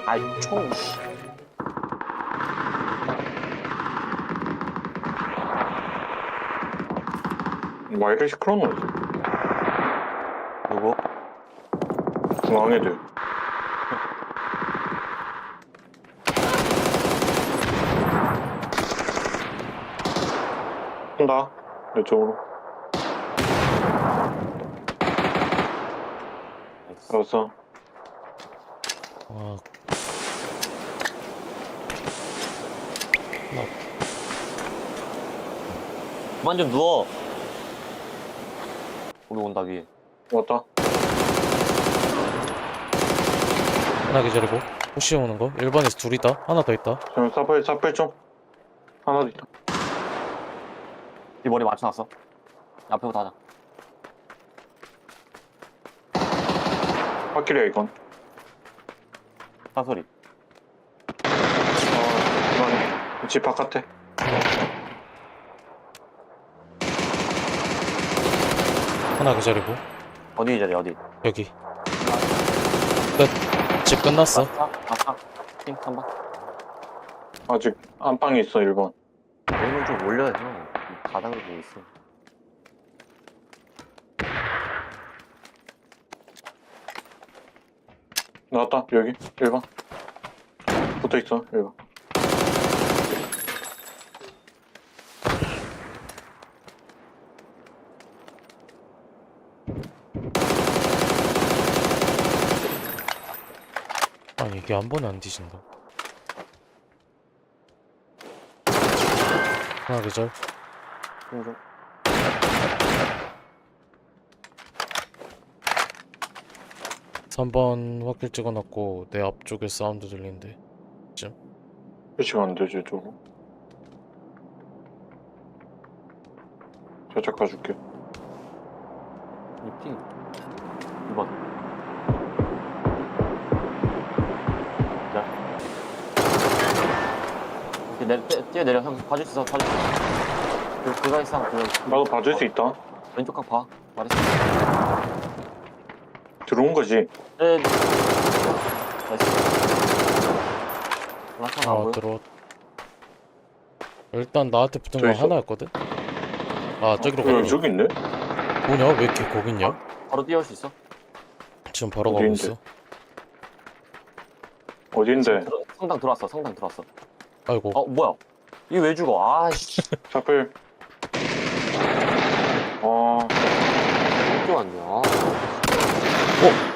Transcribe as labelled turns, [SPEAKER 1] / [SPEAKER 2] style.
[SPEAKER 1] 아이 총.
[SPEAKER 2] 와이를 시끄러운
[SPEAKER 1] 누구?
[SPEAKER 2] 중앙 애들. 온다. 이쪽으로. 알았어.
[SPEAKER 3] 아,
[SPEAKER 1] 그만 좀 누워. 우리 온다 위에.
[SPEAKER 2] 왔다.
[SPEAKER 3] 하나 기다리고 호시 오는 거 1번에서 둘 있다. 하나 더 있다.
[SPEAKER 2] 지금 사플 좀. 하나 더 있다.
[SPEAKER 1] 이 머리 맞춰놨어. 앞에부터 하자.
[SPEAKER 2] 확실이야 이건.
[SPEAKER 1] 사소리.
[SPEAKER 2] 이건 집 바깥에.
[SPEAKER 3] 하나 기다리고
[SPEAKER 1] 어디 자리 어디?
[SPEAKER 3] 여기 끝. 집 끝났어.
[SPEAKER 1] 아싸. 핑 3번.
[SPEAKER 2] 아직 안방에 있어 1번.
[SPEAKER 1] 오늘 좀 올려야 돼. 바닥으로 보고 있어.
[SPEAKER 2] 나왔다 여기 1번. 붙어있어 1번.
[SPEAKER 3] 아니 이게 한 번에 안 뒤진다. 하나 기절.
[SPEAKER 1] 핑 좀.
[SPEAKER 3] 삼 번 확킬 찍어놨고 내 앞쪽에 사운드 들리는데.
[SPEAKER 2] 표시가 안 되지 저거. 살짝 가줄게.
[SPEAKER 1] 이 핑. 2번. 자. 이렇게 뛰어내려. 형 봐줄 수 있어. 봐줄 수 있어. 그가 있어.
[SPEAKER 2] 나도 봐줄 수 있다.
[SPEAKER 1] 왼쪽 각 봐. 말했어.
[SPEAKER 2] 들어온 거지.
[SPEAKER 1] 네. 나이스. 라스트 안 보여?
[SPEAKER 3] 들어. 일단 나한테 붙은
[SPEAKER 2] 저
[SPEAKER 3] 거
[SPEAKER 2] 있어?
[SPEAKER 3] 하나였거든. 아 저기로
[SPEAKER 2] 여기
[SPEAKER 3] 가네.
[SPEAKER 2] 저기 있네?
[SPEAKER 3] 뭐냐 왜 이렇게 거기 있냐?
[SPEAKER 1] 바로 뛰어올 수 있어?
[SPEAKER 3] 지금 바로 가고
[SPEAKER 2] 어디인데?
[SPEAKER 3] 있어.
[SPEAKER 2] 어딘데?
[SPEAKER 1] 성당 들어왔어. 성당 들어왔어.
[SPEAKER 3] 아이고.
[SPEAKER 1] 뭐야? 이게 왜 죽어? 아씨.
[SPEAKER 2] 사플.
[SPEAKER 1] 어떻게 왔냐?
[SPEAKER 3] 어?